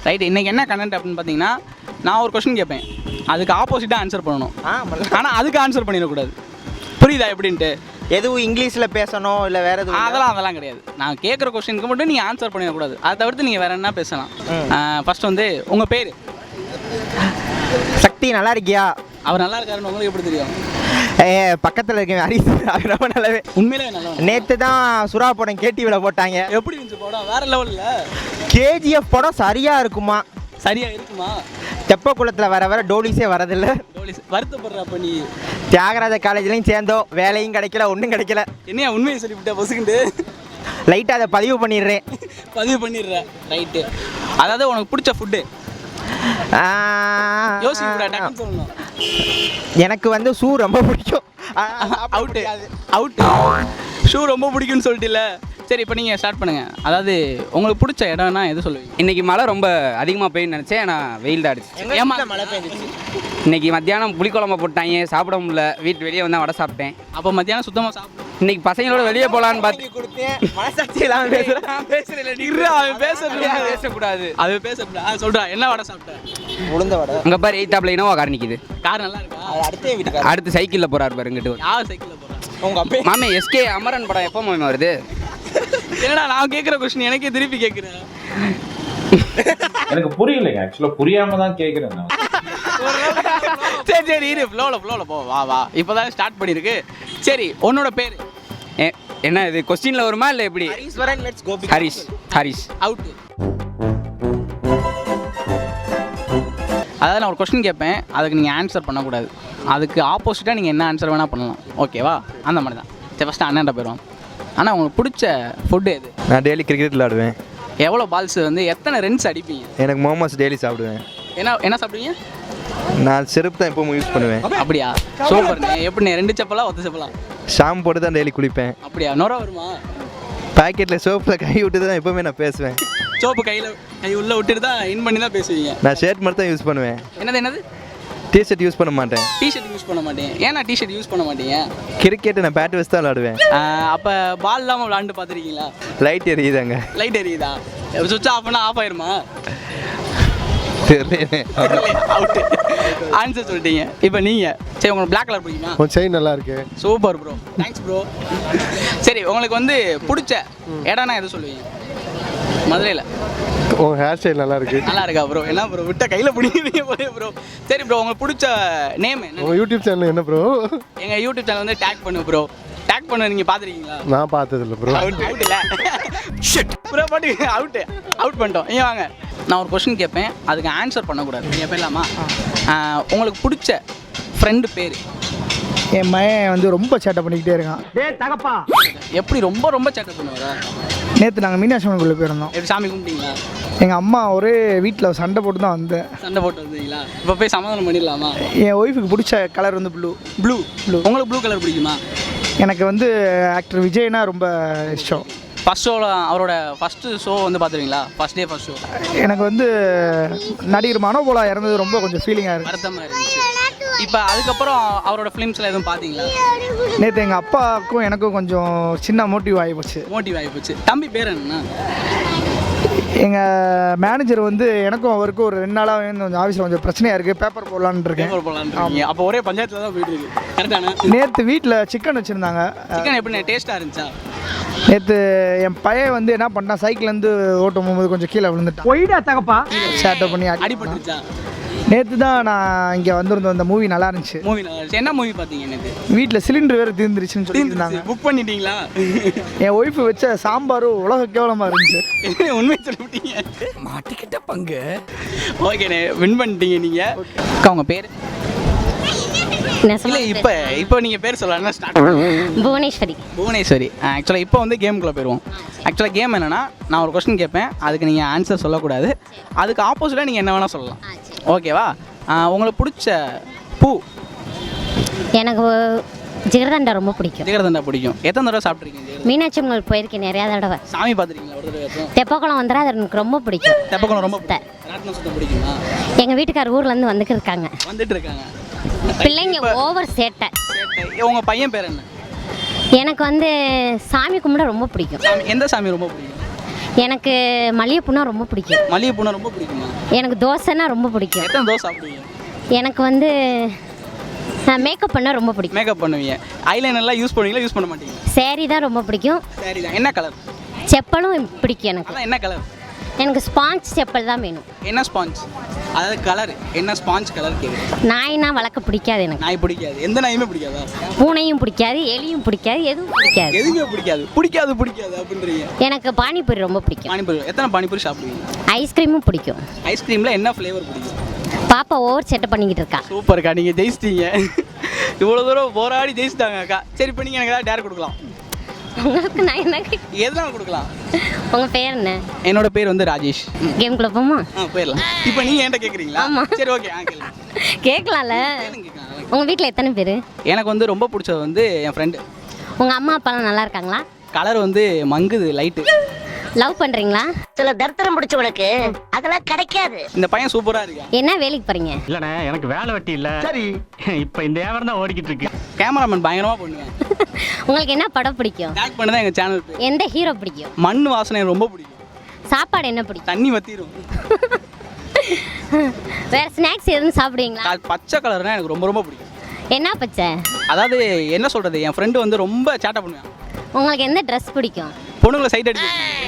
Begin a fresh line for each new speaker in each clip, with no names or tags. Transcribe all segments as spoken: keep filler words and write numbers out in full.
Right. இன்றைக்கி என்ன content அப்படின்னு பார்த்தீங்கன்னா, நான் ஒரு கொஸ்டின் கேட்பேன், அதுக்கு ஆப்போசிட்டாக ஆன்சர் பண்ணணும். ஆனால் அதுக்கு ஆன்சர் பண்ணிடக்கூடாது. புரியுதா எப்படின்ட்டு?
எதுவும் இங்கிலீஷில் பேசணும் இல்லை வேறு எதுவும்?
அதெல்லாம் அதெல்லாம் கிடையாது. நான் கேட்குற கொஸ்டினுக்கு மட்டும் நீங்கள் ஆன்சர் பண்ணிடக்கூடாது. அதை தவிர்த்து நீங்கள் வேறு என்ன பேசலாம். ஃபஸ்ட் வந்து உங்கள் பேர்?
சக்தி. நல்லா இருக்கியா?
அவர் நல்லா இருக்காருன்னு உங்களுக்கு எப்படி தெரியும்?
ஏ பக்கத்தில் இருக்கேன் ஹரிஸ். ரொம்ப நல்லாவே.
உண்மையிலே நல்லா.
நேற்று தான் சுறா படம் கேடிவியில் போட்டாங்க.
எப்படி இருந்துச்சு படம்? வேறு லெவலில்.
கேஜிஎஃப் படம் சரியாக இருக்குமா?
சரியாக இருக்குமா?
தெப்பக்குளத்தில் வர வர டோலிஸே வரதில்லை.
டோலிஸ் வருத்தப்படுற. அப்போ நீ
தியாகராஜ காலேஜ்லையும் சேர்ந்தோம், வேலையும் கிடைக்கல, ஒன்றும் கிடைக்கல.
என்னையா உண்மையை சொல்லிவிட்டேன் பொசுக்குண்டு?
லைட்டாக அதை பதிவு பண்ணிடுறேன்.
பதிவு பண்ணிடுறேன். ரைட்டு. அதாவது உனக்கு பிடிச்ச ஃபுட்டு? யோசிக்க சொல்லணும்.
எனக்கு வந்து ஷூ ரொம்ப பிடிக்கும்.
அவுட்டு அவுட்டு ஷூ ரொம்ப பிடிக்கும்னு சொல்லிட்டுல. சரி, இப்போ நீங்கள் ஸ்டார்ட் பண்ணுங்கள். அதாவது உங்களுக்கு பிடிச்ச இடம்னா எது சொல்லுவீங்க?
இன்றைக்கி மழை ரொம்ப அதிகமாக பெய்யுன்னு நினச்சேன், ஆனால் வெயில் தான் அடிச்சு.
ஏமா
மழை பெய்ஞ்சிச்சு?
இன்றைக்கி மத்தியானம் புளிக்குழம்பு போட்டாங்க, சாப்பிட முடியல. வீட்டு வெளியே வந்தால் வடை சாப்பிட்டேன்.
அப்போ மத்தியானம் சுத்தமாக சாப்பிட்டேன்.
இன்றைக்கி பசங்களோட வெளியே போகலான்னு பார்த்து
கொடுத்தேன். மனசாட்சியெல்லாம் பேசுகிறேன்.
பேசுகிறேன். பேச
பேசக்கூடாது.
அது பேசக்கூடாது. சொல்கிறா என்ன வடை சாப்பிட்டேன்?
உளுந்த வடை.
அங்கே பாரு எயித்தாப்பில் இனோவா கார் நிற்கிது.
கார் நல்லா இருக்கா?
அது அடுத்த வீட்டுக்கு.
அடுத்து சைக்கிளில் போகிறாரு பாரு இங்கிட்டு.
யார் சைக்கிளில் போகிறேன்?
உங்கள் அப்பா.
மாமே எஸ்கே அமரன் படம் எப்போ மாமே வருது?
என்னடா நான் கேட்குற கொஸ்டின் எனக்கே திருப்பி கேட்குறேன்.
எனக்கு புரியலைங்க. ஆக்சுவலாக புரியாம தான் கேட்குறேன்.
சரி சரி இரு, ஃப்ளோவில் ஃப்ளோவில் போ. வா வா இப்போ தான் ஸ்டார்ட் பண்ணியிருக்கு. சரி, உன்னோட பேர்
என்ன? இது கொஸ்டினில் வருமா இல்லை எப்படி? ஹரிஷ். ஹரிஷ்
அவுட்டு. அதாவது நான் ஒரு கொஸ்டின் கேட்பேன், அதுக்கு நீங்கள் ஆன்சர் பண்ணக்கூடாது. அதுக்கு ஆப்போசிட்டாக நீங்கள் என்ன ஆன்சர் வேணால் பண்ணலாம். ஓகேவா? அந்த மாதிரி தான். சரி, ஃபஸ்ட்டு அண்ணன்ட்ட போயிடுவோம். ஆனால் உங்களுக்கு பிடிச்ச ஃபுட்டு எது?
நான் டெய்லி கிரிக்கெட் விளாடுவேன்.
எவ்வளோ பால்ஸ் வந்து எத்தனை ரன்ஸ் அடிப்பீங்க?
எனக்கு மோமோஸ் டெய்லி சாப்பிடுவேன்.
என்ன என்ன சாப்பிடுவீங்க?
நான் செருப்பு தான் எப்பவும் யூஸ் பண்ணுவேன்.
அப்படியா? சூப்பர்ண்ணே. எப்படிண்ணே? ரெண்டு செப்பலா ஒத்த செப்பலா?
ஷாம்பு போட்டு தான் டெய்லி குளிப்பேன்.
அப்படியா? நுர வருமா?
பாக்கெட்டில் சோப்பில் கை விட்டு தான் எப்போவுமே நான் பேசுவேன்.
சோப்பு கையில் கை உள்ளே விட்டுட்டு தான் இன் பண்ணி தான் பேசுவீங்க?
நான் ஷர்ட் மட்டும் தான் யூஸ் பண்ணுவேன்.
என்னது என்னது?
டிஷர்ட் யூஸ் பண்ண மாட்டேன்.
டிஷர்ட் யூஸ் பண்ண மாட்டேன். ஏன்னா டிஷர்ட் யூஸ் பண்ண மாட்டீங்க?
கிரிக்கெட் நான் பேட் வச்சு தான் விளாடுவேன்.
அப்போ பால் இல்லாமல் விளாண்டு பார்த்துருக்கீங்களா?
லைட் எரியுதாங்க.
லைட் எரியுதா? சுவிட்ச் ஆஃப் பண்ணால் ஆஃப் ஆயிருமா? அவுட்டு. ஆன்சர் சொல்லிட்டீங்க. இப்போ நீங்கள் சரி, உங்களுக்கு பிளாக் கலர் பிடிக்குமா?
உன் செயின் நல்லா இருக்கு.
Super bro. Thanks bro. சரி, உங்களுக்கு வந்து பிடிச்ச இடம்னா எது சொல்லுவீங்க? மதுரையில்.
உன் ஹேர் ஸ்டைல் நல்லா இருக்கு.
நல்லா இருக்கா ப்ரோ? என்ன ப்ரோ விட்ட கையில் பிடிக்கிறீங்க போய் ப்ரோ. சரி ப்ரோ, உங்களுக்கு பிடிச்ச நேம் என்ன?
உங்கள் யூடியூப் சேனல் என்ன ப்ரோ?
எங்கள் யூடியூப் சேனல் வந்து டேக் பண்ணு ப்ரோ. டேக் பண்ண நீங்கள் பார்த்துருக்கீங்களா?
நான் பார்த்ததில்ல ப்ரோ.
அவுட் அவுட் இல்லை ப்ரோ. பாட்டு அவுட்டு அவுட் பண்ணிட்டோம். இங்கே வாங்க. நான் ஒரு கொஸ்டின் கேட்பேன், அதுக்கு ஆன்சர் பண்ணக்கூடாது. நீங்கள் போயிடலாமா? உங்களுக்கு பிடிச்ச ஃப்ரெண்டு பேர்?
என் மகன் வந்து ரொம்ப சேட்டை பண்ணிக்கிட்டே இருக்கான்.
எப்படி ரொம்ப ரொம்ப சேட்டை பண்ணுவாரா?
நேற்று நாங்கள் மீனாட்சி அம்மன் கோயிலுக்கு போயிருந்தோம்.
எப்படி சாமி கும்பிட்டீங்களா?
எங்கள் அம்மா ஒரே வீட்டில் சண்டை போட்டு தான் வந்தேன்.
சண்டை போட்டு வந்தீங்களா? இப்போ போய் சமாதானம் பண்ணிடலாமா?
என் ஒய்ஃபுக்கு பிடிச்ச கலர் வந்து ப்ளூ.
ப்ளூ ப்ளூ உங்களுக்கு ப்ளூ கலர் பிடிக்குமா?
எனக்கு வந்து ஆக்டர் விஜய்னா ரொம்ப இஷ்டம்.
ஃபஸ்ட் ஷோவில் அவரோட ஃபஸ்ட்டு ஷோ வந்து பார்த்துருவீங்களா? First day first show.
எனக்கு வந்து நடிகர் மனோபாலா இறந்தது ரொம்ப கொஞ்சம் ஃபீலிங்காக இருக்குது.
வருத்தமாக இருந்துச்சு. இப்போ அதுக்கப்புறம் அவரோட ஃபிலிம்ஸில் எதுவும் பார்த்தீங்களா?
நேற்று எங்கள் அப்பாவுக்கும் எனக்கும் கொஞ்சம் சின்ன மோட்டிவ் ஆகி போச்சு.
மோட்டிவ் ஆகி போச்சு. தம்பி பேர் என்ன?
எங்கள் மேனேஜர் வந்து எனக்கும் அவருக்கும் ஒரு ரெண்டு நாளாக கொஞ்சம் ஆஃபீஸில் கொஞ்சம் பிரச்சனையாக இருக்குது. பேப்பர் போடலான்னு இருக்கேன்.
பேப்பர் போடலான்னு. அப்போ ஒரே பஞ்சாயத்தில் தான் போயிட்டு இருக்கு. கரெக்டான.
நேற்று வீட்டில் சிக்கன் வச்சுருந்தாங்க.
சிக்கன் எப்படி டேஸ்ட்டாக இருந்துச்சா?
நேற்று என் பையன் வந்து என்ன பண்ணான், சைக்கிள்லேருந்து ஓட்டும் போகும்போது கொஞ்சம் கீழே விழுந்துட்டான். ஒய்டா தகப்பா சேட்டை பண்ணி
அடிபட்டுருச்சா?
நேற்று தான் நான் இங்கே வந்திருந்தோம். அந்த மூவி நல்லா இருந்துச்சு.
மூவி நல்லா இருந்துச்சு. என்ன மூவி பார்த்தீங்க? நேற்று
வீட்டில் சிலிண்டர் வேறு தீர்ந்துருச்சுன்னு சொல்லியிருந்தாங்க.
புக் பண்ணிட்டீங்களா?
என் ஒய்ஃபு வச்ச சாம்பாரும் உலக கேவலமாக இருந்துச்சு.
உண்மை சொல்லிவிட்டீங்க. மாட்டிக்கிட்ட பங்கு. ஓகேண்ணே, வின் பண்ணிட்டீங்க நீங்கள். அக்கா உங்கள் பேர்? இல்லை, இப்போ இப்போ நீங்கள் பேர் சொல்லலாம். ஸ்டார்ட்.
புவனேஸ்வரி.
புவனேஸ்வரி. ஆக்சுவலாக இப்போ வந்து கேமுக்குள்ளே போயிடுவோம். ஆக்சுவலாக கேம் என்னென்னா, நான் ஒரு கொஸ்டின் கேட்பேன், அதுக்கு நீங்கள் ஆன்சர் சொல்லக்கூடாது. அதுக்கு ஆப்போசிட்டாக நீங்கள் என்ன வேணால் சொல்லலாம். ஓகேவா? உங்களுக்கு பிடிச்ச பூ?
எனக்கு ஜிகர்தண்டா ரொம்ப பிடிக்கும்.
ஜிகர்தண்டா பிடிக்கும். எத்தனை தடவை சாப்பிட்ருக்கீங்க?
மீனாட்சி அம்மன் போயிருக்கேன் நிறையா தடவை.
சாமி பார்த்துருக்கீங்களா ஒரு தடவை?
தெப்பக்குளம் வந்துடும், அது எனக்கு ரொம்ப பிடிக்கும்.
தெப்பக்குளம் ரொம்ப சுத்தம் பிடிக்குமா?
எங்கள் வீட்டுக்கார் ஊர்லேருந்து வந்துட்டு இருக்காங்க.
வந்துட்டு இருக்காங்க.
பிள்ளைங்க ஓவர் சேட்டை.
உங்கள் பையன் பேர் என்ன?
எனக்கு வந்து சாமி கும்பிட ரொம்ப பிடிக்கும்.
எந்த சாமி ரொம்ப பிடிக்கும்?
எனக்கு மல்லிகைப்பூனா ரொம்ப பிடிக்கும்.
மல்லிகைப்பூனா ரொம்ப பிடிக்குமா?
எனக்கு தோசைன்னா ரொம்ப பிடிக்கும்.
எத்தனை தோசை சாப்பிடுவீங்க?
எனக்கு வந்து மேக்கப் பண்ண ரொம்ப பிடிக்கும்.
மேக்கப் பண்ணுவீங்க. ஐலைனர்லாம் யூஸ் பண்ணுவீங்களா யூஸ் பண்ண மாட்டீங்க?
சேரீ தான் ரொம்ப பிடிக்கும்.
சரி தான். என்ன கலர்?
செப்பலும் பிடிக்கும் எனக்கு.
அதான் என்ன கலர்?
எனக்கு ஸ்பாஞ்ச் செப்பல் தான் வேணும்.
என்ன ஸ்பாஞ்ச்? அதாவது கலர் என்ன ஸ்பாஞ்ச் கலர் கேட்குறேன்.
நாய்னா வளர்க்க பிடிக்காது எனக்கு.
நாய் பிடிக்காது. எந்த நாயுமே பிடிக்காதா?
பூனையும் பிடிக்காது, எலியும் பிடிக்காது, எதுவும் பிடிக்காது.
எதுவுமே பிடிக்காது. பிடிக்காது பிடிக்காது அப்படின்றீங்க.
எனக்கு பானிபூரி ரொம்ப பிடிக்கும்.
பானிபூரி எத்தனை பானிபூரி சாப்பிடுவீங்க?
ஐஸ்கிரீமும் பிடிக்கும்.
ஐஸ்கிரீமில் என்ன ஃப்ளேவர் பிடிக்கும்?
பாப்பா ஓவர் செட்டப் பண்ணிக்கிட்டு இருக்கா.
சூப்பர்க்கா, நீங்கள் ஜெயிச்சிட்டீங்க. இவ்வளோ தூரம் போராடி ஜெயிச்சிட்டாங்க அக்கா. சரி, இப்போ நீங்கள் எனக்கு ஏதாவது டேர் கொடுக்கலாம்.
உங்களுக்கு நான் என்ன
எதுலாம் கொடுக்கலாம்?
உங்கள் பேர் என்ன?
என்னோட பேர் வந்து ராஜேஷ்.
கேம் குள்ள போமா?
ஆ போயிடலாம். இப்போ நீங்கள் என்கிட்ட கேட்குறீங்களா?
ஆமாம்.
சரி, ஓகே. ஆ கேளுங்க.
கேட்கலாம்ல. உங்கள் வீட்டில் எத்தனை பேர்?
எனக்கு வந்து ரொம்ப பிடிச்சது வந்து என் ஃப்ரெண்டு.
உங்கள் அம்மா அப்பாலாம் நல்லா இருக்காங்களா?
கலர் வந்து மங்குது லைட்டு.
லவ் பண்ணுறீங்களா?
சில தரித்திரம் பிடிச்சவனுக்கு அதெல்லாம் கிடைக்காது.
இந்த பையன் சூப்பராக இருக்கா.
என்ன வேலைக்கு போகிறீங்க?
இல்லண்ணே, எனக்கு வேலை வெட்டி இல்ல. சரி, இப்போ இந்த வியாபாரம் தான் ஓடிக்கிட்டு இருக்கு.
கேமராமேன் பயங்கரமாக பண்ணுவேன்.
உங்களுக்கு என்ன படம் பிடிக்கும்?
டேக் பண்ணி தான் எங்கள் சேனல் பேர்.
எந்த ஹீரோ பிடிக்கும்?
மண் வாசனை ரொம்ப பிடிக்கும்.
சாப்பாடு என்ன பிடிக்கும்?
தண்ணி வத்திரும்.
வேறு ஸ்நாக்ஸ் எதுவும் சாப்பிடுவீங்களா?
அது பச்சை கலர்னால் எனக்கு ரொம்ப ரொம்ப பிடிக்கும்.
என்ன பச்சை?
அதாவது என்ன சொல்கிறது, என் ஃப்ரெண்டு வந்து ரொம்ப சேட்டை பண்ணுவேன்.
உங்களுக்கு எந்த ட்ரெஸ் பிடிக்கும்?
பொண்ணுங்களை சைட் அடிச்சு.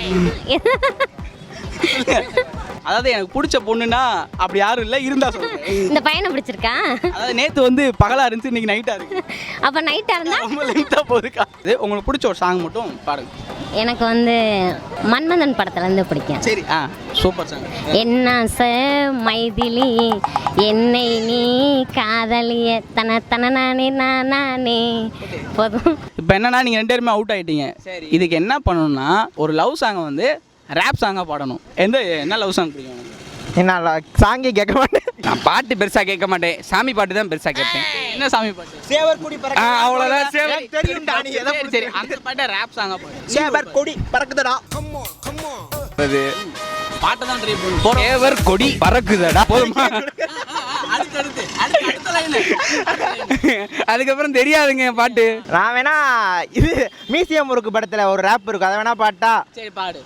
அதாவது எனக்கு பிடிச்ச பொண்ணுன்னா அப்படி யாரும் இல்லை, இருந்தா சொல்றேன்.
இந்த பையனை பிடிச்சிருக்கா?
அதாவது நேற்று வந்து பகலாக இருந்துச்சு, இன்னைக்கு நைட்டாக இருக்கு.
அப்போ நைட்டாக இருந்தால்
ரொம்ப லென்த்தாக போகுதுக்கா. இது உங்களுக்கு பிடிச்ச ஒரு சாங் மட்டும் பாருங்க.
எனக்கு வந்து மன்மதன் படத்துலேருந்து பிடிக்கும்.
சரி, ஆ சூப்பர் சாங்.
என்ன ச மைதிலி என்னை நீ காதலிய தன தன நானே நானே போதும்.
இப்போ என்னன்னா நீங்கள் ரெண்டு பேருமே அவுட் ஆகிட்டீங்க. சரி, இதுக்கு என்ன பண்ணணும்னா ஒரு லவ் சாங்கை வந்து ரேப் சாங்காக பாடணும். எந்த என்ன லவ் சாங் பிடிக்கும்?
என்ன சாங்கே கேட்க மாட்டேன்.
நான் பாட்டு பெருசாக கேட்க மாட்டேன், சாமி பாட்டு தான் பெருசாக கேட்பேன்.
என்ன சாமி பாட்டு?
சேவர் கொடி பறக்க.
ஆ, அவ்வளோதான். சேவர்
தெரியும்டா நீ எதை
சரி, சரி, அந்த பாட்டை ரேப் சாங்காக பாடு.
சேவர் கொடி பறக்குதுடா.
அது
பாட்டை தான் ட்ரை பண்ணு. போறோம்.
சேவர் கொடி பறக்குதடா. போதுமா?
அடுத்து அடுத்து அடுத்து அடுத்த லைன்.
அதுக்கப்புறம் தெரியாதுங்க என் பாட்டு.
நான் வேணா இது மியூசியம் முறுக்கு படத்துல ஒரு ரேப் இருக்கும், அதை வேணா பாட்டா.
சரி பாடு.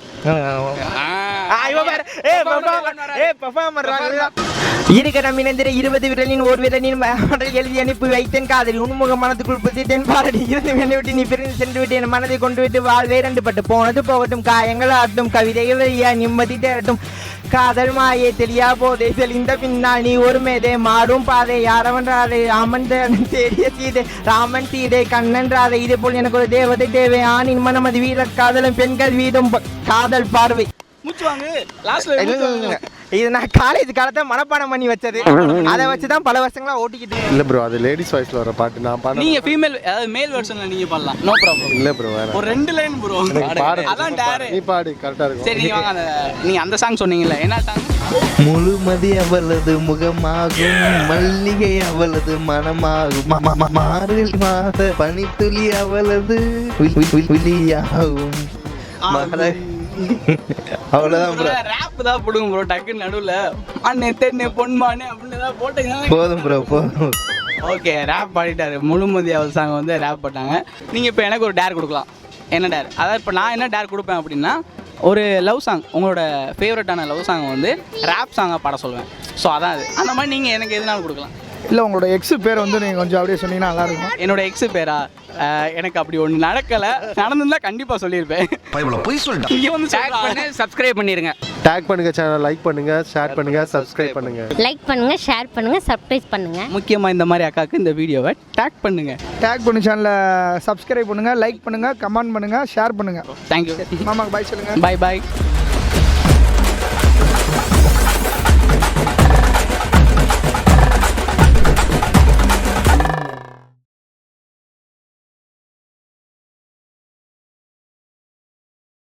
இருக்கிற மினந்திர இருபது விரலின் ஒரு விரலின் எழுதி அனுப்பி வைத்தேன் காதலி உன்முக மனத்துக்குள் புதித்தேன் பாரடி இருந்து என்னை விட்டு நீ பிரிந்து சென்று விட்டு என் மனதை கொண்டு விட்டு வாழ்வே ரெண்டு பட்டு போனது போகட்டும் காயங்கள் ஆட்டும் கவிதைகள் ஐயா நிம்மதி தேரட்டும் காதல் மாயே தெரியா போதே தெளிந்த பின்னால் நீ ஒரு மேதே மாறும் பாதை யாரவன்றாதே ராமன் தேடிய சீதை ராமன் சீதை கண்ணன் ராதை இதே போல் எனக்கு ஒரு தேவதை தேவை ஆணின் மனமதி வீர காதலும் பெண்கள் வீதும் காதல் பார்வை.
மூச்சு வாங்கு. லாஸ்ட்ல
இது நான் காலேஜ் காலத்தை மனப்பாடம் பண்ணி வச்சது, அதை வச்சுதான் பல வருஷங்களா ஓட்டிக்கிட்டு.
இல்லை ப்ரோ, அது லேடிஸ் வாய்ஸ்ல வர பாட்டு நான் பாட.
நீங்க ஃபீமேல் அதாவது மேல் வெர்ஷன்ல நீங்க பாடலாம். No problem.
இல்லை ப்ரோ, வேற
ஒரு ரெண்டு லைன் ப்ரோ.
பாடு.
அதான் டேர்.
நீ பாடு, கரெக்டா இருக்கும்.
சரி, நீங்க வாங்க. அந்த நீங்க அந்த சாங் சொன்னீங்கல்ல, என்ன சாங்?
முழுமதி அவளது முகமாகும் மல்லிகை அவளது மனமாகும் ம- ம- மார்கழி மாத பனித்துளி அவளது வி- வி- விழியாகும் மகள- அவ்வளவுதான் ப்ரோ.
ரேப் தான் போடுங்க ப்ரோ. டக்குன்னு நடுவுல அண்ணே தென்னே பொன்மானே அப்படின்னு ஏதாவது போட்டீங்கன்னா
போதும் ப்ரோ போதும்.
ஓகே. ரேப் பாடிட்டாரு. முழுமதி அவள் சாங் வந்து ரேப் போட்டாங்க. நீங்கள் இப்போ எனக்கு ஒரு டேர் கொடுக்கலாம். என்ன டேர்? அதாவது இப்போ நான் என்ன டேர் கொடுப்பேன் அப்படின்னா ஒரு லவ் சாங், உங்களோட ஃபேவரட்டான லவ் சாங் வந்து ரேப் சாங்காக பாட சொல்லுவேன். ஸோ அதான் அது. அந்த மாதிரி நீங்கள் எனக்கு எதுனாலும் கொடுக்கலாம்.
இல்லை உங்களோட எக்ஸு பேர் வந்து நீங்கள் கொஞ்சம் அப்படியே சொன்னீங்கன்னா நல்லாயிருக்கும்.
என்னோட எக்ஸு பேரா? அஹ், எனக்கு அப்படி ஒன்று நடக்கலை. நடந்திருந்தா கண்டிப்பாக சொல்லியிருப்பேன். இங்கே வந்து
டேக் பண்ணி சப்ஸ்கிரைப் பண்ணிருங்க.
டேக் பண்ணுங்க, சேனல் லைக் பண்ணுங்க, ஷேர் பண்ணுங்க, சப்ஸ்கிரைப் பண்ணுங்க.
லைக் பண்ணுங்க, ஷேர் பண்ணுங்க, சர்ப்ரைஸ் பண்ணுங்க.
முக்கியமாக இந்த மாதிரி அக்காவுக்கு இந்த வீடியோவை டேக் பண்ணுங்க.
டேக் பண்ணி சேனலை சப்ஸ்கிரைப் பண்ணுங்கள், லைக் பண்ணுங்கள், கமெண்ட் பண்ணுங்கள், ஷேர் பண்ணுங்கள்.
தேங்க்யூ.
மாமாக்கு பாய் சொல்லுங்கள்.
பாய் பாய்.